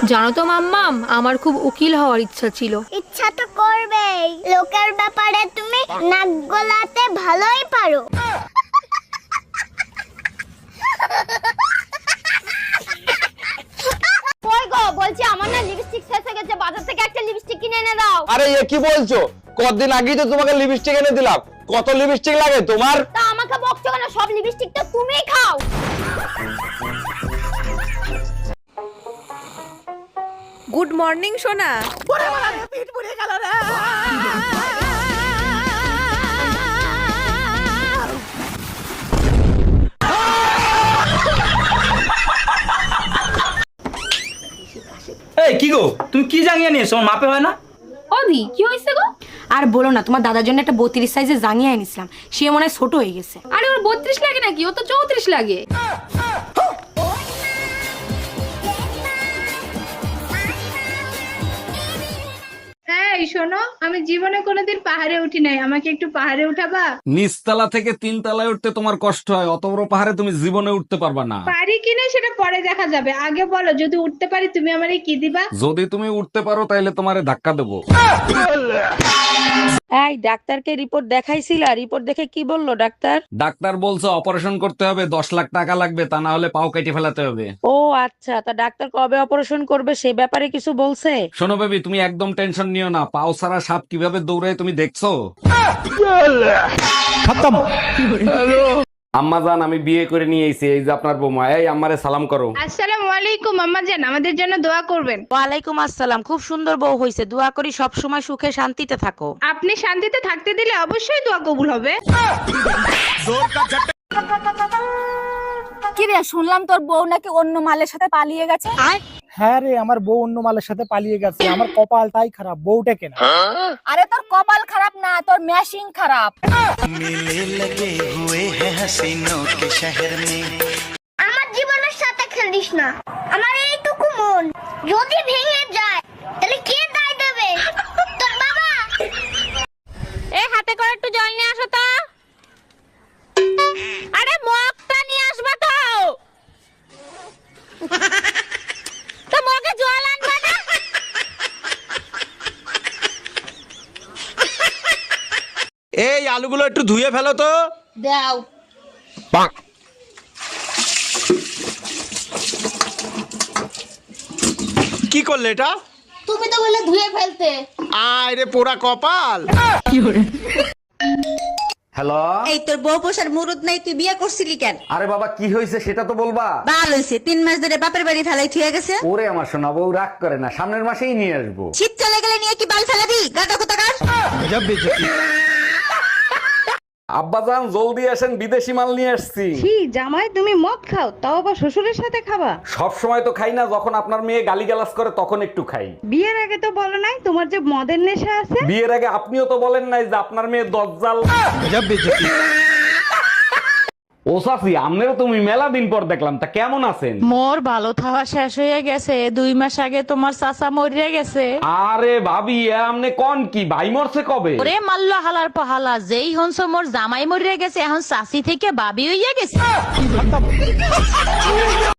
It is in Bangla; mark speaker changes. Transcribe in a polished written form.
Speaker 1: জানো তো মাম্মাম, আমার খুব উকিল হওয়ার ইচ্ছা ছিল।
Speaker 2: ইচ্ছা তো করবেই, লোকের ব্যাপারে তুমি নাক গলাতে ভালোই পারো। কই গো, বলছি আমার না লিপস্টিক শেষ হয়ে গেছে, বাজার থেকে একটা লিপস্টিক কিনে এনে দাও।
Speaker 3: আরে এ কি বলছো? কতদিন আগেই তো তোমাকে লিপস্টিক এনে দিলাম। কত লিপস্টিক লাগে তোমার?
Speaker 2: তা আমাকে বকছো কেন? সব লিপস্টিক তো তুমিই খাও।
Speaker 4: গুড মর্নিং সোনা।
Speaker 5: এই কি গো, তুমি কি জাঙ্গিয়া নিয়েছো? আমার মাপে হয় না।
Speaker 1: অদি কি হয়েছে গো?
Speaker 6: আর বলো না, তোমার দাদার জন্য একটা 32 সাইজের জাঙ্গিয়া এনেছিলাম, সে মনে হয় ছোট হয়ে গেছে।
Speaker 1: আরে ওর 32 লাগে নাকি, ও তো 34 লাগে।
Speaker 7: এই শোনো, আমি জীবনে কোনোদিন পাহাড়ে উঠি নাই, আমাকে একটু পাহাড়ে উঠাবা?
Speaker 8: নিচতলা থেকে 3 তলায় উঠতে তোমার কষ্ট হয়, অত বড় পাহাড়ে তুমি জীবনে উঠতে পারবা না।
Speaker 7: পারি কিনা সেটা পরে দেখা যাবে, আগে বলো যদি উঠতে পারি তুমি আমারে কি দিবা?
Speaker 8: যদি তুমি উঠতে পারো তাহলে তোমারে ধাক্কা দেবো।
Speaker 4: এই ডাক্তারকে রিপোর্ট দেখাইছিলা? রিপোর্ট দেখে কি বললো ডাক্তার?
Speaker 8: ডাক্তার বলছে অপারেশন করতে হবে, 10 লাখ টাকা লাগবে, তা না হলে পাও কেটে ফেলাতে হবে।
Speaker 4: ও আচ্ছা, তা ডাক্তার কবে অপারেশন করবে সে ব্যাপারে কিছু বলছে?
Speaker 8: শোনো বেবি, তুমি একদম টেনশন নিও না, পাও ছাড়া সাপ কিভাবে দৌড়ায় তুমি দেখছো? আম্মা জান, আমি বিয়ে করে নিয়ে এসেছি, এই যে আপনার বৌমা। এই আম্মারে সালাম করো।
Speaker 7: আসসালামু আলাইকুম আম্মা জান, আমাদের জন্য দোয়া করবেন।
Speaker 4: ওয়ালাইকুম আসসালাম। খুব সুন্দর বউ হইছে, দোয়া করি সব সময় সুখে শান্তিতে থাকো।
Speaker 7: আপনি শান্তিতে থাকতে দিলে অবশ্যই দোয়া কবুল হবে।
Speaker 6: কি রে, শুনলাম তোর বউ নাকি অন্য মালের সাথে পালিয়ে গেছে।
Speaker 9: হ্যাঁ রে, আমার বউ অন্য মালের সাথে পালিয়ে গেছে। আমার কপালটাই খারাপ, বউটা কেনা।
Speaker 6: আরে তোর কপাল খারাপ না, তোর ম্যাশিং খারাপ।
Speaker 2: আমার জীবনের সাথে খেলিস না। আমার এইটুকু মন যদি ভেঙে যায় তাহলে কে দায় দেবে? তোর বাবা।
Speaker 1: এই হাতে করে একটু জল নিয়ে আসো তো। আরে মগটা নিয়ে আসবা তো। তো মগে জল আনবা না?
Speaker 3: এই আলুগুলো একটু ধুয়ে ফেলো তো।
Speaker 6: দাও।
Speaker 3: কি করলে এটা?
Speaker 6: তুমি তো বলে ধুয়ে ফেলতে।
Speaker 3: আয় রে পোড়া কপাল।
Speaker 8: হ্যালো।
Speaker 10: এই তোর বউ পোষার মুরুদ নাই, তুই বিয়ে করছিলি কেন?
Speaker 8: আরে বাবা, কি হয়েছে সেটা তো বলবা।
Speaker 10: ভালো হয়েছে, 3 মাস ধরে বাপের বাড়ি ফেলাই থুয়ে গেছে।
Speaker 8: ওরে আমার সোনা বউ, রাগ করে না, সামনের মাসেই নিয়ে আসবো।
Speaker 10: শীত চলে গেলে নিয়ে কি বাল ফেলাবি? গাটা কোথাকার।
Speaker 8: আব্বাজান জলদি আসেন, বিদেশি মাল নিয়ে আসছি।
Speaker 7: কি জামাই, তুমি মদ খাও, তাও আবার শ্বশুরের সাথে খাবা?
Speaker 8: সব সময় তো খাই না, যখন আপনার মেয়ে গালিগালাজ করে তখন একটু খাই।
Speaker 7: বিয়ের আগে তো বলো নাই তোমার যে মদের নেশা আছে।
Speaker 8: বিয়ের আগে আপনিও তো বলেন নাই যে আপনার মেয়ে দজ্জাল। ও সাফি, আমনেরও তুমি মেলা দিন পর দেখলাম, তা কেমন আছেন?
Speaker 4: মোর ভালো থাওয়া শেষ হয়ে গেছে, 2 মাস আগে তোমার চাচা মরিয়া গেছে।
Speaker 8: আরে ভাবি, আমনে কোন কি ভাই মরছে কবে?
Speaker 4: ওরে মাল্লা হালার পাহালা, যেই হনস মোর জামাই মরিয়া গেছে, এখন চাচি থেকে বাবি হইয়া গেছে।